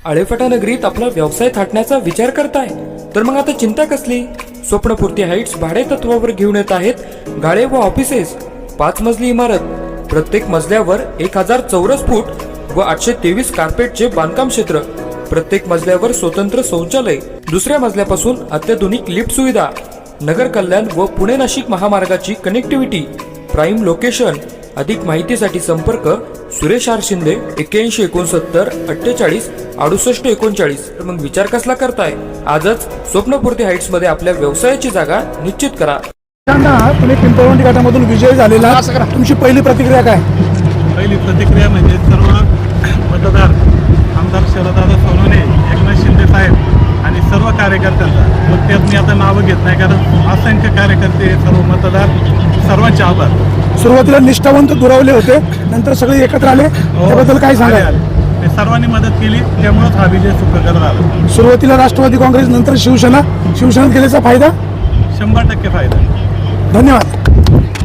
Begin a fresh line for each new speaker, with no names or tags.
आळेफाटा नगरीत आपला व्यवसाय थाटण्याचा विचार करताय तर मग आता चिंता कसली? स्वप्नपूर्ती हाईट्स भाडे तत्वावर घेऊन येत आहेत गाळे व ऑफिसेस. 5 मजली इमारत, प्रत्येक मजल्यावर 1000 चौरस फूट व 823 कार्पेटचे बांधकाम क्षेत्र, प्रत्येक मजल्यावर स्वतंत्र शौचालय, दुसऱ्या मजल्यापासून अत्याधुनिक लिफ्ट सुविधा, नगर कल्याण व पुणे नाशिक महामार्गाची कनेक्टिव्हिटी, प्राईम लोकेशन. अधिक माहितीसाठी संपर्क सुरेश आर शिंदे 8169 48 68 39. तर मग विचार कसला करताय? आजच स्वप्नपूर्ती हाईट्स मध्ये आपल्या व्यवसायाची जागा निश्चित करा.
तुम्ही पिंपळवंडी गटामधून विजय झालेला, तुमची पहिली प्रतिक्रिया काय?
पहिली प्रतिक्रिया म्हणजे सर्व मतदार आमदार शरददादा सोनवणे, एकनाथ शिंदे साहेब आणि सर्व कार्यकर्त्यांचा, मग त्यात मी आता नावं घेत नाही कारण असंख्य कार्यकर्ते, सर्व मतदार, सर्वांचे आभार.
सुरुवातीला निष्ठावंत दुरावले होते, नंतर सगळे एकत्र आले, त्याबद्दल काय सांगाल?
ते सर्वांनी मदत केली, त्यामुळेच हा विजय सुखकर झाला.
सुरुवातीला राष्ट्रवादी काँग्रेस, नंतर शिवसेनेत गेल्याचा फायदा
100% फायदा.
धन्यवाद.